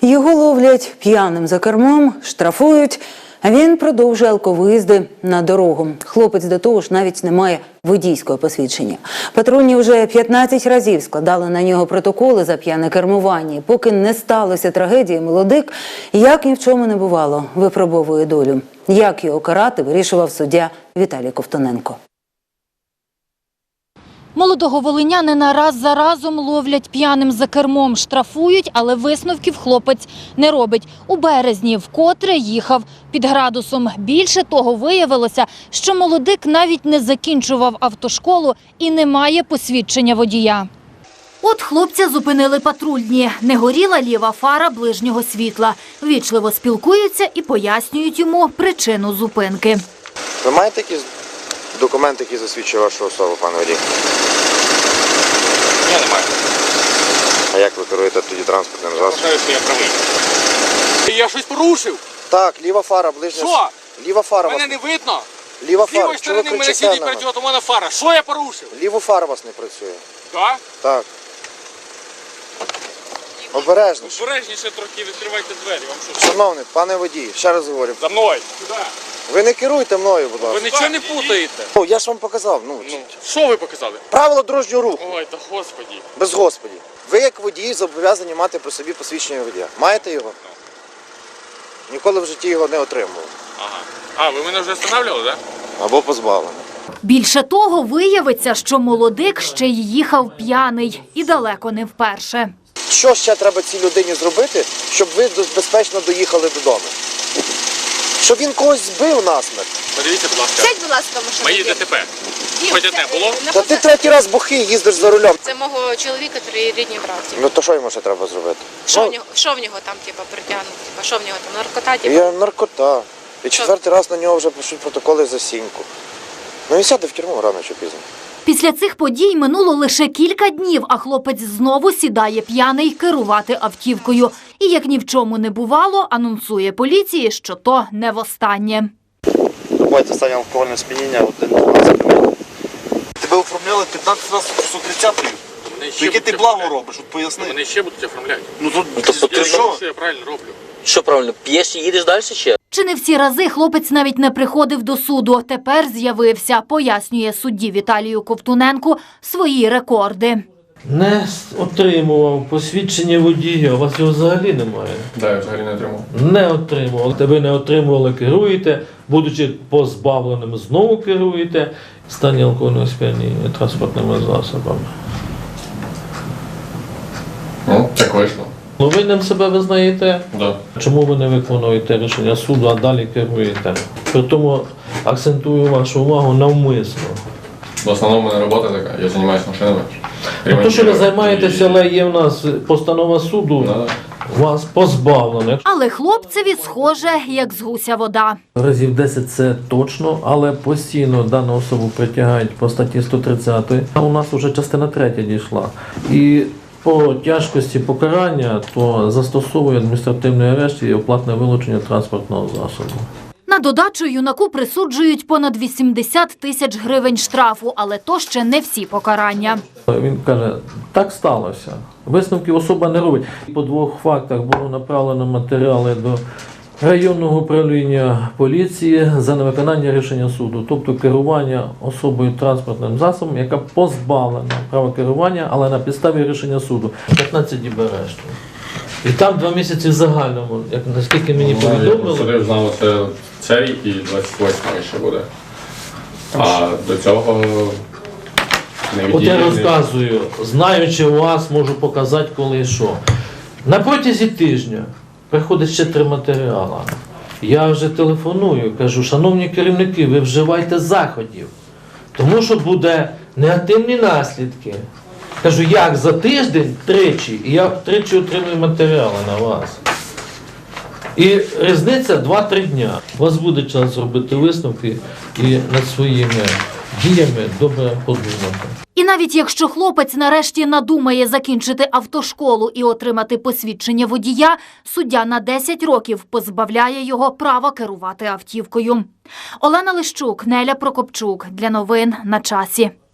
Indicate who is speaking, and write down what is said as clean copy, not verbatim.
Speaker 1: Його ловлять п'яним за кермом, штрафують, а він продовжує алковиїзди на дорогу. Хлопець до того ж навіть не має водійського посвідчення. Патрульні вже 15 разів складали на нього протоколи за п'яне кермування. І поки не сталося трагедії, молодик, як ні в чому не бувало, випробовує долю. Як його карати, вирішував суддя Віталій Ковтуненко.
Speaker 2: Молодого волинянина раз за разом ловлять п'яним за кермом, штрафують, але висновків хлопець не робить. У березні вкотре їхав під градусом. Більше того, виявилося, що молодик навіть не закінчував автошколу і не має посвідчення водія. От хлопця зупинили патрульні. Не горіла ліва фара ближнього світла. Ввічливо спілкуються і пояснюють йому причину зупинки.
Speaker 3: Ви маєте якісь документи, які засвідчують вашу особу, пане водій?
Speaker 4: Ні, немає.
Speaker 3: А як ви керуєте тоді транспортним засобом?
Speaker 4: Вважаю, що я правий. Я щось порушив?
Speaker 3: Так, ліва фара, ближня.
Speaker 4: Що?
Speaker 3: Ліва фара
Speaker 4: Мене
Speaker 3: вас...
Speaker 4: не видно.
Speaker 3: Ліва
Speaker 4: З лівої
Speaker 3: фара, чого ви
Speaker 4: сторони мене
Speaker 3: кричите
Speaker 4: сидить
Speaker 3: на мене?
Speaker 4: перед у мене фара. Що я порушив?
Speaker 3: Ліву фара вас не працює.
Speaker 4: Так?
Speaker 3: Так. Обережно.
Speaker 4: Обережніше трохи відкривайте двері. Вам що?
Speaker 3: Шановний, пане водій, ще раз говорю.
Speaker 4: За мною. Сюди.
Speaker 3: Ви не керуйте мною, будь
Speaker 4: Ви
Speaker 3: ласка.
Speaker 4: нічого не путаєте.
Speaker 3: Ну, я ж вам показав.
Speaker 4: Ну, що ви показали?
Speaker 3: Правила дорожнього руху.
Speaker 4: Ой, та господі.
Speaker 3: Без господі. Ви як водій зобов'язані мати при собі посвідчення водія. Маєте його? Ніколи в житті його не отримував.
Speaker 4: Ага. А, ви мене вже встановлювали, так?
Speaker 3: Або позбавлено.
Speaker 2: Більше того, виявиться, що молодик ще й їхав п'яний і далеко не вперше.
Speaker 3: Що ще треба цій людині зробити, щоб ви безпечно доїхали додому? Щоб він когось збив насмерть.
Speaker 4: Подивіться, будь ласка.
Speaker 5: Сядь, будь ласка, в машину.
Speaker 4: Мої ДТП. Хоч одне було?
Speaker 3: Та ти третій раз бухий їздиш за рулем.
Speaker 5: Це мого чоловіка, рідні братці.
Speaker 3: Ну то що йому ще треба зробити?
Speaker 5: Що в нього там, притягнуто? Що в нього там, наркота,
Speaker 3: Я наркота. І четвертий раз на нього вже пишуть протоколи за сіньку. Ну він сяде в тюрму рано чи пізно.
Speaker 2: Після цих подій минуло лише кілька днів, а хлопець знову сідає п'яний керувати автівкою. І, як ні в чому не бувало, анонсує поліції, що то не востаннє.
Speaker 6: Бувайте стані алкогольне сп'яніння 1-12. Тебе оформляли 15 разів 130-ю. Яке ти благо робиш, от поясни.
Speaker 4: Мене ще будуть оформляти.
Speaker 6: Ну то
Speaker 7: Тобто
Speaker 6: ти що?
Speaker 4: Я правильно роблю.
Speaker 7: Що правильно, п'єш і їдеш далі ще?
Speaker 2: Чи не всі рази хлопець навіть не приходив до суду. Тепер з'явився, пояснює судді Віталію Ковтуненку свої рекорди.
Speaker 8: Не отримував посвідчення водія, у вас його взагалі немає.
Speaker 4: Так, я взагалі не отримав.
Speaker 8: Не отримував. Ви не отримували, керуєте, будучи позбавленим, знову керуєте в стані алкогольного сп'яніння транспортними засобами.
Speaker 4: Ну, так вийшло.
Speaker 8: Ну, винним себе визнаєте?
Speaker 4: Да.
Speaker 8: Чому ви не виконуєте рішення суду, а далі керуєте? При тому акцентую вашу увагу навмисно.
Speaker 9: В основному в мене робота така, я займаюся машинами.
Speaker 8: Ну, то, що ви займаєтеся, але є в нас постанова суду, вас позбавлено.
Speaker 2: Але хлопцеві схоже, як з гуся вода.
Speaker 8: Разів 10 це точно, але постійно дану особу притягають по статті 130. А у нас вже частина 3 дійшла. І по тяжкості покарання, то застосовує адміністративний арешт і оплатне вилучення транспортного засобу.
Speaker 2: На додачу юнаку присуджують понад 80 тисяч гривень штрафу, але то ще не всі покарання.
Speaker 8: Він каже, так сталося. Висновків особа не робить. По 2 фактах було направлено матеріали до районного управління поліції за невиконання рішення суду, тобто керування особою транспортним засобом, яка позбавлена права керування, але на підставі рішення суду. 15 діб арешту. І там 2 місяці в загальному, як наскільки мені повідомили.
Speaker 9: Судив знав цей і 28-й ще буде. А до цього не
Speaker 8: От я
Speaker 9: відділені.
Speaker 8: розказую, знаючи вас, можу показати, коли і що. На протязі тижня приходить ще 3 матеріали. Я вже телефоную, кажу, шановні керівники, ви вживайте заходів, тому що буде негативні наслідки. Кажу, як за тиждень тричі, і я тричі отримую матеріали на вас. І різниця 2-3 дня. У вас буде час зробити висновки і над своїми діями добре подумати.
Speaker 2: І навіть якщо хлопець нарешті надумає закінчити автошколу і отримати посвідчення водія, суддя на 10 років позбавляє його права керувати автівкою. Олена Лищук, Неля Прокопчук. Для новин на часі.